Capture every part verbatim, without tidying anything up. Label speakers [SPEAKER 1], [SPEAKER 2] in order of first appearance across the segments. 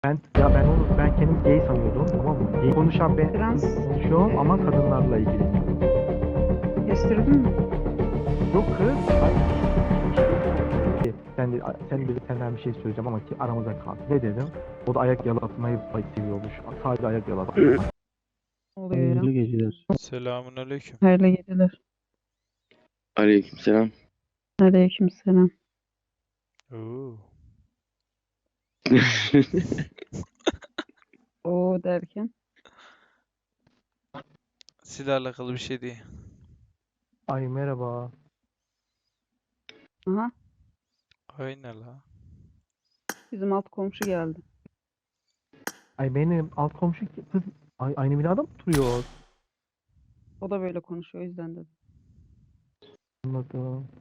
[SPEAKER 1] Ben ya ben onu ben kendimi gay sanıyordum, tamam mı? Gay konuşan ben
[SPEAKER 2] Trans
[SPEAKER 1] konuşuyorum ama kadınlarla ilgili.
[SPEAKER 2] kestirdin mi?
[SPEAKER 1] Yok kız. Ay, sen de, sen de senden bir şey söyleyeceğim ama ki aramıza kal. Ne dedim? O da ayak yalatmayı seviyormuş. Sadece ayak yalatmayı.
[SPEAKER 2] Oluyor ya.
[SPEAKER 3] Hayırlı geceler.
[SPEAKER 4] Selamun aleyküm.
[SPEAKER 2] Hayırlı geceler.
[SPEAKER 3] Aleykümselam.
[SPEAKER 2] Aleykümselam.
[SPEAKER 4] Oo.
[SPEAKER 2] O derken.
[SPEAKER 4] Silah alakalı bir şey değil.
[SPEAKER 1] Ay merhaba.
[SPEAKER 2] Aha.
[SPEAKER 4] Aynen la.
[SPEAKER 2] Bizim alt komşu geldi.
[SPEAKER 1] Ay benim alt komşu ki- kız ay, aynı binada mı oturuyor?
[SPEAKER 2] O da böyle konuşuyor o yüzden dedim.
[SPEAKER 1] Anladım.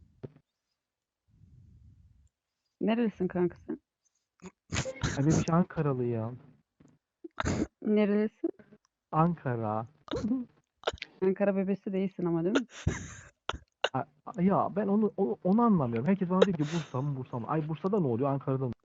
[SPEAKER 2] Nerelisin kanka sen?
[SPEAKER 1] Ay benim şey Ankaralı ya.
[SPEAKER 2] Nerelisin?
[SPEAKER 1] Ankara.
[SPEAKER 2] Ankara bebesi değilsin ama değil mi?
[SPEAKER 1] Ay, ay ya ben onu, onu onu anlamıyorum. Herkes bana diyor ki Bursa mı Bursa mı? Ay Bursa'da ne oluyor? Ankara'da mı?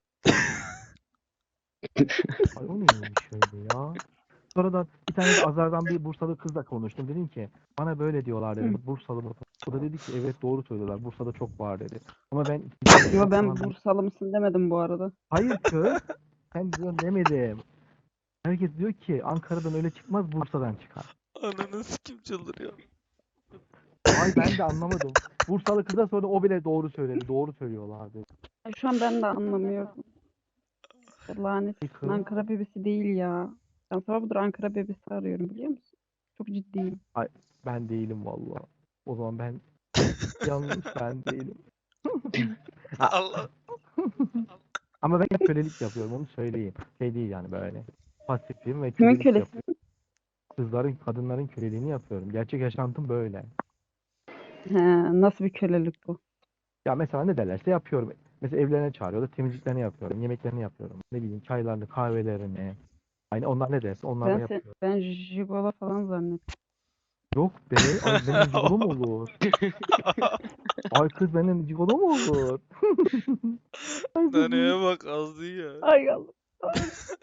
[SPEAKER 1] Ay o neymiş öyle ya? Sonradan bir tane de Azer'dan bir Bursalı kızla konuştum. Dedim ki bana böyle diyorlar
[SPEAKER 2] Hı.
[SPEAKER 1] dedim. Bursalı mı? O da dedi ki evet doğru söylüyorlar. Bursa'da çok var dedi. Ama ben
[SPEAKER 2] Yo ben
[SPEAKER 1] falan-
[SPEAKER 2] Bursalı mısın demedim bu arada.
[SPEAKER 1] Hayır kız. Sen diyorsun demedim. Herkes diyor ki Ankara'dan öyle çıkmaz Bursa'dan çıkar.
[SPEAKER 4] Ananı sikim çıldırıyor.
[SPEAKER 1] Ay ben de anlamadım. Bursalı kıza sonra o bile doğru söyledi. Doğru söylüyorlar dedi.
[SPEAKER 2] Ay, şu an ben de anlamıyorum. Lanet
[SPEAKER 1] Ay kız.
[SPEAKER 2] Ankara bebesi değil ya. Ben sabahdır Ankara bebesi arıyorum biliyor musun? Çok ciddiyim.
[SPEAKER 1] Ay ben değilim vallahi. O zaman ben yanlış ben değilim.
[SPEAKER 4] Allah.
[SPEAKER 1] Ama ben kölelik yapıyorum onu söyleyeyim. Şey değil yani böyle. Pasifim ve
[SPEAKER 2] Kimin
[SPEAKER 1] kölelik
[SPEAKER 2] kölesi?
[SPEAKER 1] yapıyorum. Kızların, kadınların köleliğini yapıyorum. Gerçek yaşantım böyle.
[SPEAKER 2] He, nasıl bir kölelik bu?
[SPEAKER 1] Ya mesela ne derlerse yapıyorum. Mesela evlerine çağırıyorlar, temizliklerini yapıyorum, yemeklerini yapıyorum. Ne bileyim çaylarını, kahvelerini. Hani onlar ne derse onları da
[SPEAKER 2] Ben, se
[SPEAKER 1] yapıyorum.
[SPEAKER 2] ben jigolo falan zannettim.
[SPEAKER 1] Yok be, ay benim cigolo mu olur? Ay kız benim cigolo mu olur? Ay
[SPEAKER 4] Naneye
[SPEAKER 1] benim.
[SPEAKER 4] bak azdı ya.
[SPEAKER 2] Ay Allah. Ay.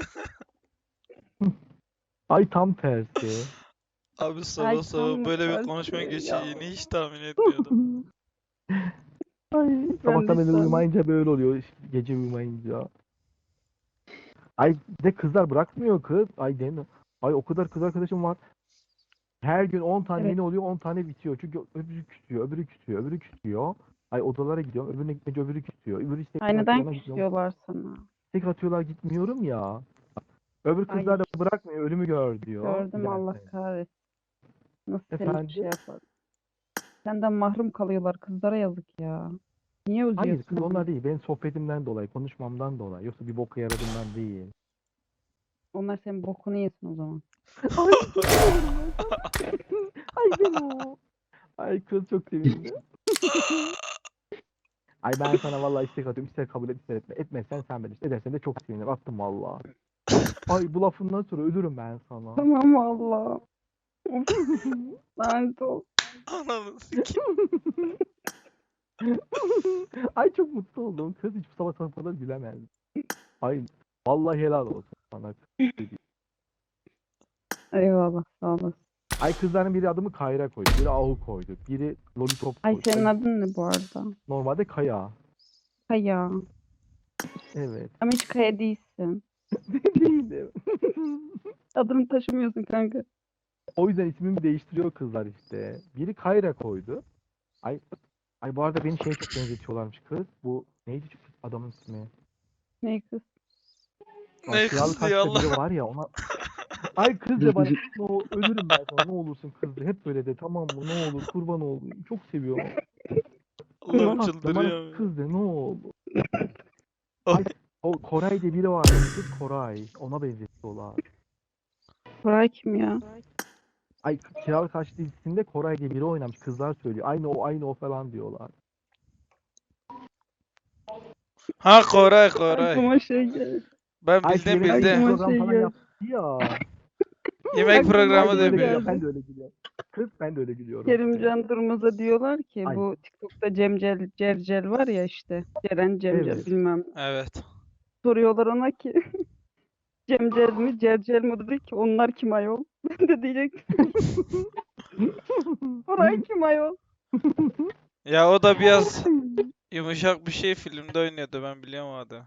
[SPEAKER 1] Ay tam tersi.
[SPEAKER 4] Abi
[SPEAKER 2] Ay
[SPEAKER 4] sabah sabah
[SPEAKER 2] tam
[SPEAKER 4] böyle bir konuşma
[SPEAKER 2] tersi ya.
[SPEAKER 4] geçeceğini hiç tahmin etmiyordum.
[SPEAKER 1] Ay
[SPEAKER 2] Ben de
[SPEAKER 1] sabahtan beri
[SPEAKER 2] istemem.
[SPEAKER 1] uyumayınca böyle oluyor. işte Gece uyumayınca. Ay bir de kızlar bırakmıyor kız. Ay demiyor. Ay o kadar kız arkadaşım var. Her gün on tane
[SPEAKER 2] Evet.
[SPEAKER 1] yeni oluyor, on tane bitiyor. Çünkü öbürü küsüyor, öbürü küsüyor, öbürü küsüyor. Ay odalara gidiyorum, öbürüne gitmeyince öbürü küsüyor. Öbürü istek
[SPEAKER 2] Ay
[SPEAKER 1] atıyor,
[SPEAKER 2] neden
[SPEAKER 1] ona gidiyorum.
[SPEAKER 2] küsüyorlar sana?
[SPEAKER 1] İstek atıyorlar gitmiyorum ya. Öbür
[SPEAKER 2] Ay
[SPEAKER 1] kızlar da bırakmıyor, ölümü gör diyor.
[SPEAKER 2] gördüm Allah
[SPEAKER 1] Giderse.
[SPEAKER 2] kahretsin. Nasıl seni şey
[SPEAKER 1] Efendim?
[SPEAKER 2] yapar? Senden mahrum kalıyorlar kızlara yazık ya. Niye
[SPEAKER 1] Hayır
[SPEAKER 2] üzüyorsun
[SPEAKER 1] kız
[SPEAKER 2] onları?
[SPEAKER 1] onlar değil. Benim sohbetimden dolayı, konuşmamdan dolayı. Yoksa bir boka yaradığımdan değil.
[SPEAKER 2] Onlar senin bokunu yesin o zaman.
[SPEAKER 1] Ay Ay ben o. Ay kız çok sevindi. Ay ben sana vallahi istek atıyorum. İster kabul et ister etme. Etmezsen sen bilirsin. Edersen de çok sevinirim. Attım vallahi. Ay bu lafından sonra ölürüm ben sana.
[SPEAKER 2] Tamam Allah. Lanet ol.
[SPEAKER 4] Ananı sikim.
[SPEAKER 1] Ay çok mutlu oldum. Kız hiç bu sabah sana kadar gülemez. Ay vallahi helal olsun sana.
[SPEAKER 2] Eyvallah sağ olasın.
[SPEAKER 1] Ay kızların biri adımı Kayra koydu. Biri Ahu koydu. Biri Lollipop
[SPEAKER 2] Ay
[SPEAKER 1] koydu.
[SPEAKER 2] senin
[SPEAKER 1] Ay,
[SPEAKER 2] adın ne bu arada?
[SPEAKER 1] normalde Kaya.
[SPEAKER 2] Kaya.
[SPEAKER 1] Evet.
[SPEAKER 2] Ama hiç Kaya değilsin.
[SPEAKER 1] Değilim.
[SPEAKER 2] Adını taşımıyorsun kanka.
[SPEAKER 1] O yüzden ismimi değiştiriyor kızlar işte. Biri Kayra koydu. Ay ay bu arada beni şeye çok benzetiyorlarmış kız. Bu neydi şu adamın ismi?
[SPEAKER 2] Ne kız?
[SPEAKER 1] Lan
[SPEAKER 4] Ne
[SPEAKER 1] kiralık
[SPEAKER 4] kızdı ya
[SPEAKER 1] kaçta biri
[SPEAKER 4] Allah.
[SPEAKER 1] var ya ona. Ay kız de bana no, ölürüm ben sana ne olursun kız de. Hep böyle de tamam mı ne olur kurban olayım. Çok seviyorum. Kız
[SPEAKER 4] Allah'ım
[SPEAKER 1] tatlım bana
[SPEAKER 4] çıldırıyorum ya.
[SPEAKER 1] kız de ne olur.
[SPEAKER 4] Oh.
[SPEAKER 1] Ay o Koray diye biri var. Kız Koray. Ona benzetiyorlar.
[SPEAKER 2] Koray kim ya?
[SPEAKER 1] Ay Kiralık Kaç dizisinde Koray diye biri oynamış. Kızlar söylüyor. Aynı o aynı o falan diyorlar.
[SPEAKER 4] Ha Koray Koray.
[SPEAKER 2] Aklıma şey geldi.
[SPEAKER 4] Ben
[SPEAKER 1] Ay şu
[SPEAKER 4] bildim
[SPEAKER 1] yemek
[SPEAKER 2] Aklıma
[SPEAKER 4] bildim.
[SPEAKER 1] program
[SPEAKER 2] şey
[SPEAKER 1] falan
[SPEAKER 2] geldi.
[SPEAKER 1] yaptı ya.
[SPEAKER 4] Yemek
[SPEAKER 2] Aklıma
[SPEAKER 4] programı
[SPEAKER 1] Ay
[SPEAKER 2] şey
[SPEAKER 4] da
[SPEAKER 1] böyle
[SPEAKER 4] biliyorum.
[SPEAKER 1] ben
[SPEAKER 2] geldi.
[SPEAKER 1] de öyle gülüyorum. Kız ben de öyle gülüyorum işte.
[SPEAKER 2] Kerimcan Durmaz'a diyorlar ki
[SPEAKER 1] Ay
[SPEAKER 2] bu TikTok'ta Cemcel Cercel var ya işte. Ceren Cemcel
[SPEAKER 1] evet.
[SPEAKER 2] bilmem.
[SPEAKER 4] Evet.
[SPEAKER 2] Soruyorlar ona ki Cemcel mi? Cercel mi dedi ki onlar kim ayol? Ben de diyecektim. Koray kim ayol?
[SPEAKER 4] Ya o da biraz yumuşak bir şey filmde oynuyordu, ben biliyorum o adamı.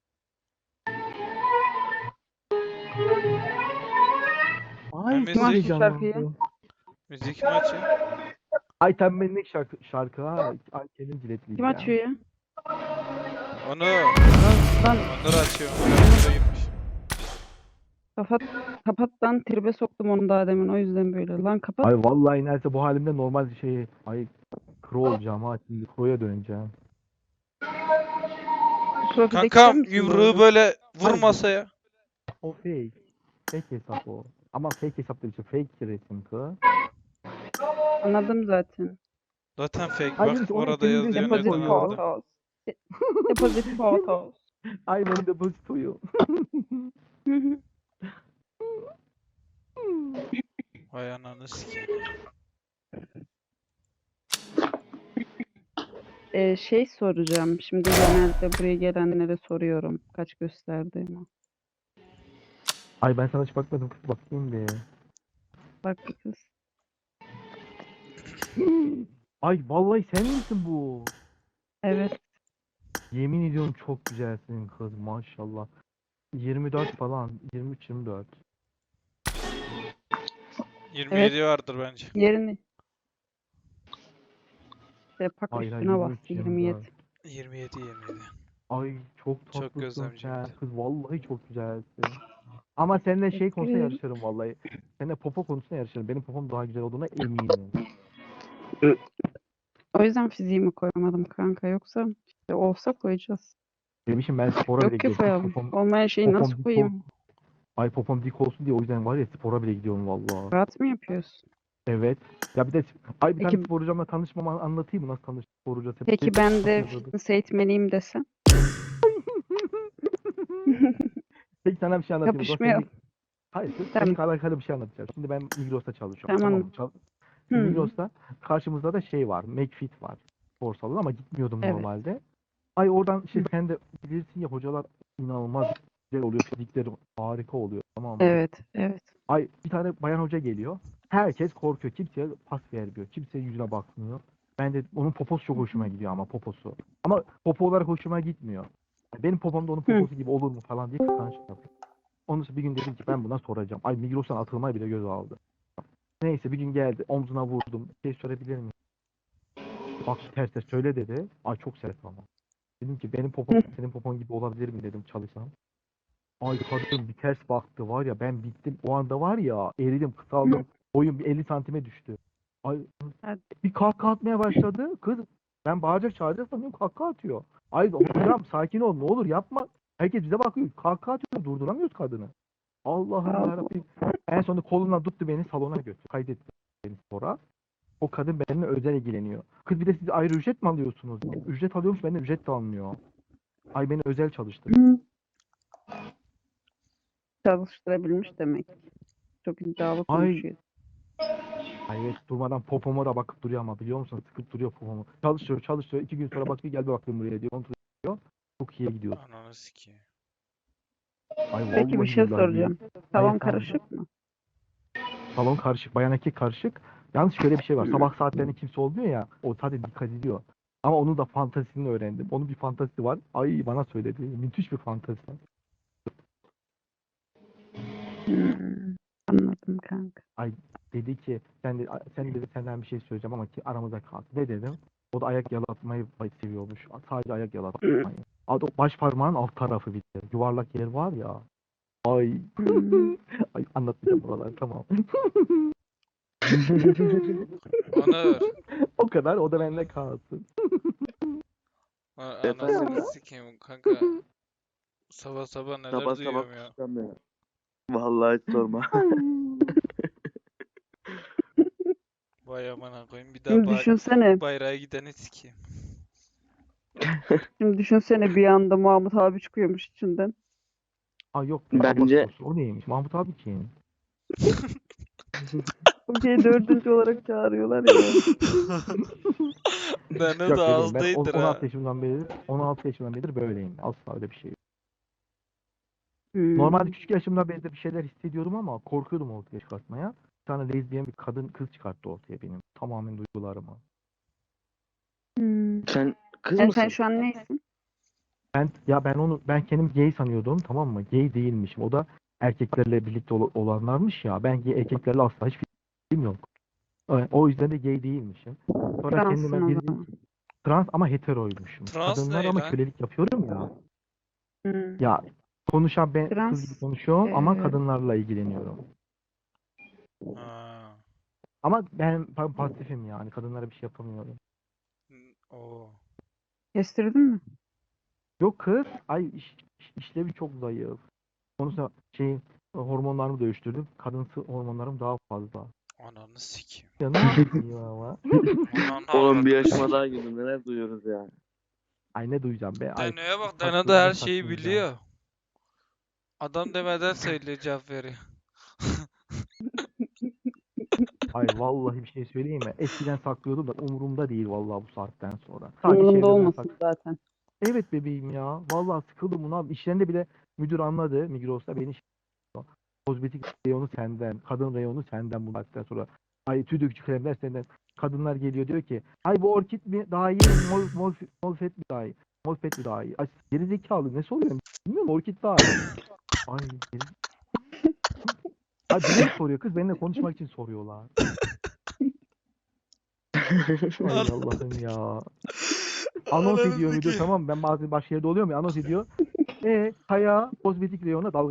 [SPEAKER 1] Ay
[SPEAKER 4] Hem
[SPEAKER 1] çok
[SPEAKER 2] Kim açtı
[SPEAKER 4] müzik,
[SPEAKER 2] şarkıyı?
[SPEAKER 1] heyecanlandım.
[SPEAKER 4] müzik maçı.
[SPEAKER 1] Ay tembellik şarkı, şarkı ha. Ay senin ciletliydi
[SPEAKER 2] Kim
[SPEAKER 1] ya.
[SPEAKER 2] açıyor ya?
[SPEAKER 4] Onu
[SPEAKER 2] Lan
[SPEAKER 4] Onur açıyor. Onur gitmiş.
[SPEAKER 2] kapat kapat lan tribe soktum onu daha demin o yüzden böyle. Lan kapat.
[SPEAKER 1] Ay vallahi inerse bu halimde normal bir şey. Ay kro olacağım ha. Şimdi kroya döneceğim.
[SPEAKER 2] Profildeki sen
[SPEAKER 4] Kankam
[SPEAKER 2] misin bu
[SPEAKER 4] yumruğu
[SPEAKER 2] arada?
[SPEAKER 4] böyle vur
[SPEAKER 1] Ay,
[SPEAKER 4] masaya.
[SPEAKER 1] o fake. Fake hesap o. Ama fake hesap değil. Fake resim kı.
[SPEAKER 2] Anladım zaten.
[SPEAKER 4] Zaten fake,
[SPEAKER 1] Ay
[SPEAKER 4] bak
[SPEAKER 1] dedim ki onun
[SPEAKER 4] orada
[SPEAKER 1] senin de
[SPEAKER 4] yazıyor
[SPEAKER 2] Deposit
[SPEAKER 4] neden
[SPEAKER 1] depozitoyu.
[SPEAKER 4] aldım.
[SPEAKER 2] photos. De- Deposit photos.
[SPEAKER 1] Ay benim depozitoyu.
[SPEAKER 2] Hı hı.
[SPEAKER 4] Vay ananı sikeyim.
[SPEAKER 2] Ee, şey soracağım. Şimdi genelde buraya gelenlere soruyorum. Kaç gösterdiğimi.
[SPEAKER 1] Ay ben sana hiç bakmadım kız, bakayım bir.
[SPEAKER 2] Bak bir kız.
[SPEAKER 1] Ay vallahi sen misin bu?
[SPEAKER 2] Evet.
[SPEAKER 1] Yemin ediyorum çok güzelsin kız maşallah. yirmi dört falan. yirmi üç yirmi dört.
[SPEAKER 4] yirmi yedi vardır bence.
[SPEAKER 2] Yerini. Sepak
[SPEAKER 1] Hayır hayır
[SPEAKER 2] üstüne
[SPEAKER 1] yirmi
[SPEAKER 2] bastı
[SPEAKER 1] üç yirmi dört.
[SPEAKER 2] yirmi yedi.
[SPEAKER 4] yirmi yedi yirmi yedi.
[SPEAKER 1] Ay çok
[SPEAKER 4] Çok
[SPEAKER 1] tatlısın sen.
[SPEAKER 4] gözlemciydi.
[SPEAKER 1] Kız vallahi çok güzelsin. Ama seninle şey
[SPEAKER 2] Teşekkür
[SPEAKER 1] konusunda
[SPEAKER 2] ederim.
[SPEAKER 1] yarışırım vallahi. Seninle popo konusunda yarışırım. Benim popom daha güzel olduğuna eminim.
[SPEAKER 2] O yüzden fiziğimi koymadım kanka. Yoksa işte olsa koyacağız.
[SPEAKER 1] Bebişim ben spora bile
[SPEAKER 2] Yok ki
[SPEAKER 1] gidiyorum. Kız
[SPEAKER 2] koyalım.
[SPEAKER 1] popom,
[SPEAKER 2] Olmayan şeyi
[SPEAKER 1] popom
[SPEAKER 2] nasıl
[SPEAKER 1] dik ol.
[SPEAKER 2] koyayım?
[SPEAKER 1] Ay popom dik olsun diye o yüzden var ya spora bile gidiyorum vallahi.
[SPEAKER 2] Rahat mı yapıyorsun?
[SPEAKER 1] Evet. Ya bir de ay bir tane
[SPEAKER 2] Peki,
[SPEAKER 1] spor hocamla tanışmamı anlatayım mı? Nasıl tanıştık spor hocası?
[SPEAKER 2] peki ben de
[SPEAKER 1] Nasıl yazıldı?
[SPEAKER 2] fitness eğitmeniyim desem?
[SPEAKER 1] Peki sana bir şey anlatayım. O zaman
[SPEAKER 2] Yapışmayalım.
[SPEAKER 1] seninle... Hayır, kız,
[SPEAKER 2] Tamam.
[SPEAKER 1] seninle alakalı bir şey anlatacağım. Şimdi ben Migros'ta çalışıyorum.
[SPEAKER 2] Tamam.
[SPEAKER 1] Tamam mı? Çal-
[SPEAKER 2] Hı.
[SPEAKER 1] Migros'ta karşımızda da şey var. McFit var. Spor salonu ama gitmiyordum
[SPEAKER 2] Evet.
[SPEAKER 1] normalde. Ay oradan işte sen de bilirsin ya hocalar inanılmaz güzel oluyor. Fizikleri harika oluyor. Tamam mı?
[SPEAKER 2] Evet. Evet.
[SPEAKER 1] Ay bir tane bayan hoca geliyor. Herkes korkuyor. Kimseye pas vermiyor. Kimseye yüzüne bakmıyor. Ben de onun poposu çok hoşuma gidiyor ama poposu. Ama popo olarak hoşuma gitmiyor. Benim popom da onun
[SPEAKER 2] Hı.
[SPEAKER 1] poposu gibi olur mu falan diye kıskançlık yapıyor. Ondan sonra bir gün dedim ki ben buna soracağım. Ay Migros'tan atılmayı bile göz aldı. Neyse bir gün geldi. Omzuna vurdum. Şey sorabilir miyim? Bak ters ters söyle dedi. Ay çok sert ama. Dedim ki benim popom senin popon gibi olabilir mi dedim çalışsam. Ay kadın bir ters baktı var ya ben bittim. O anda var ya eridim kısaldım. Boyum bir elli santime düştü. Ay
[SPEAKER 2] Hadi.
[SPEAKER 1] bir kahkaha atmaya başladı. Kız ben bağıracak çağıracak sanıyorum kahkaha atıyor. Ay hocam sakin ol ne olur yapma. Herkes bize bakıyor. Kahkaha atıyor durduramıyoruz kadını. Allah'ım
[SPEAKER 2] Allah.
[SPEAKER 1] yarabbim. En sonunda kolundan tuttu beni salona götürdü. Kaydetti beni spora. O kadın benimle özel ilgileniyor. Kız bir de siz ayrı ücret mi alıyorsunuz? Ücret alıyormuş benden ücret de almıyor. Ay beni özel çalıştırdı.
[SPEAKER 2] Hı. Çalıştırabilmiş demek. Çok iddialı
[SPEAKER 1] Ay
[SPEAKER 2] konuşuyor.
[SPEAKER 1] Ay evet durmadan popoma da bakıp duruyor ama biliyor musun? Sıkıp duruyor popomu. Çalışıyor çalışıyor. İki gün sonra bakıyor gel bir bakayım buraya diyor. Kontrol ediyor. Çok iyi gidiyor.
[SPEAKER 4] Ananı sikeyim.
[SPEAKER 1] Ay
[SPEAKER 2] Peki bir
[SPEAKER 1] vallahi
[SPEAKER 2] şey
[SPEAKER 1] billahi.
[SPEAKER 2] soracağım.
[SPEAKER 1] Ay
[SPEAKER 2] Salon
[SPEAKER 1] efendim.
[SPEAKER 2] karışık mı?
[SPEAKER 1] Salon karışık. Bayan erkek karışık. Yalnız şöyle bir şey var.
[SPEAKER 2] Hmm.
[SPEAKER 1] Sabah saatlerinde kimse olmuyor ya. O zaten dikkat ediyor. Ama onun da fantazisini öğrendim. Onun bir fantazisi var. Ay bana söyledi. Müthiş bir fantazisi.
[SPEAKER 2] Hmm. Anladım kanka.
[SPEAKER 1] Dedi ki sen de sen dedi senden bir şey söyleyeceğim ama ki aramızda kalsın. Ne dedim? O da ayak yalatmayı seviyormuş. Sadece ayak yalatmayı. Adı baş parmağın alt tarafı bir de. Yuvarlak yer var ya. Ay.
[SPEAKER 2] Hmm.
[SPEAKER 1] Ay anlatmayacağım buraları tamam.
[SPEAKER 4] Onur.
[SPEAKER 1] O kadar o da benimle kalsın.
[SPEAKER 4] a-
[SPEAKER 3] Efendim
[SPEAKER 4] Anasını
[SPEAKER 3] ya?
[SPEAKER 4] sikeyim kanka. Sabah sabah neler
[SPEAKER 3] Sabah sabah
[SPEAKER 4] duyuyorum ya.
[SPEAKER 3] kuşlanmıyor. Vallahi hiç sorma.
[SPEAKER 4] Vay amına koyayım, bir daha
[SPEAKER 2] Şimdi
[SPEAKER 4] bay
[SPEAKER 2] düşünsene.
[SPEAKER 4] bayrağa gideni sikeyim.
[SPEAKER 2] Şimdi düşünsene bir anda Mahmut abi çıkıyormuş içinden.
[SPEAKER 1] Ay yok be, Allah
[SPEAKER 3] Bence
[SPEAKER 1] korusun. O neymiş? Mahmut abi kim?
[SPEAKER 2] Okey dördüncü olarak çağırıyorlar ya.
[SPEAKER 4] Ben o
[SPEAKER 1] Yok
[SPEAKER 4] da
[SPEAKER 1] bebeğim ben on-
[SPEAKER 4] ağızdaydır
[SPEAKER 1] on altı
[SPEAKER 4] ha.
[SPEAKER 1] yaşımdan beri on altı yaşımdan beridir böyleyim. Asla öyle bir şey yok.
[SPEAKER 2] Hmm.
[SPEAKER 1] Normalde küçük yaşımda ben de bir şeyler hissediyordum ama korkuyordum ortaya çıkartmaya. Bir tane lezbiyen bir kadın kız çıkarttı ortaya benim. Tamamen duygularımı.
[SPEAKER 2] Hmm.
[SPEAKER 3] Sen kız
[SPEAKER 2] Yani
[SPEAKER 3] mısın?
[SPEAKER 2] sen şu an neysin?
[SPEAKER 1] Ben ya ben onu ben kendim gay sanıyordum, tamam mı? Gay değilmişim. O da erkeklerle birlikte ol- olanlarmış ya. Ben gay erkeklerle asla hiç fikrim yok. O o yüzden de gay değilmişim. Sonra
[SPEAKER 2] Transsın
[SPEAKER 1] kendime
[SPEAKER 2] o
[SPEAKER 1] bir
[SPEAKER 2] zaman.
[SPEAKER 1] trans ama heteroymuşum.
[SPEAKER 4] Trans
[SPEAKER 1] Kadınlar
[SPEAKER 4] ne
[SPEAKER 1] ama
[SPEAKER 4] lan?
[SPEAKER 1] kölelik yapıyorum ya.
[SPEAKER 2] Hmm.
[SPEAKER 1] Ya konuşan ben kız gibi
[SPEAKER 2] Trans
[SPEAKER 1] konuşuyorum ama
[SPEAKER 2] eee,
[SPEAKER 1] kadınlarla ilgileniyorum.
[SPEAKER 4] Ha.
[SPEAKER 1] Ama ben pa- pasifim yani. Kadınlara bir şey yapamıyorum.
[SPEAKER 4] n- Oo.
[SPEAKER 2] kestirdin mi?
[SPEAKER 1] Yok kız. Ay iş, iş- işlevi çok zayıf. Konusunda şey hormonlarımı dövüştürdüm. Kadınsı hormonlarım daha fazla.
[SPEAKER 4] Ananı sikeyim.
[SPEAKER 1] Ya ne yapayım ama?
[SPEAKER 4] Ananı
[SPEAKER 3] Oğlum bir
[SPEAKER 4] avradını
[SPEAKER 3] yaşıma
[SPEAKER 4] sikeyim.
[SPEAKER 3] daha girdim. Neler duyuyoruz ya.
[SPEAKER 1] Ay ne duyacağım be? Ay
[SPEAKER 4] Dano'ya bak. Dano
[SPEAKER 1] saklı
[SPEAKER 4] da her
[SPEAKER 1] ne
[SPEAKER 4] şeyi
[SPEAKER 1] saklayacağım?
[SPEAKER 4] biliyor. Adam demeden söylüyor cevap veriyor.
[SPEAKER 1] Ay vallahi bir şey söyleyeyim mi? Eskiden saklıyordum da umurumda değil vallahi bu saatten sonra. Sadece
[SPEAKER 2] Umurumda
[SPEAKER 1] çevremden
[SPEAKER 2] olmasın
[SPEAKER 1] sak.
[SPEAKER 2] zaten.
[SPEAKER 1] Evet bebeğim ya. Vallahi sıkıldım buna. İşlerinde bile müdür anladı. Migros'ta beni şey yapıyor. Kozmetik reyonu senden. Kadın reyonu senden bu saatten sonra. Ay tüy dökücü kremler senden. Kadınlar geliyor diyor ki ay bu orkid mi daha iyi, mol, mol, molfet mi daha iyi? Molfet mi daha iyi? Ay gerizekalı ne soruyorum bilmiyorum, orkid daha iyi. Ay geri... Ay bilerek soruyor kız, benimle konuşmak için soruyorlar. Ay
[SPEAKER 4] Ananı
[SPEAKER 1] Allah'ım ya. Anons ediyor müdür,
[SPEAKER 4] sikeyim.
[SPEAKER 1] tamam mı? Ben bazen başka yerde oluyorum ya, anons ediyor. E Kaya kozmetik reyonuna dalga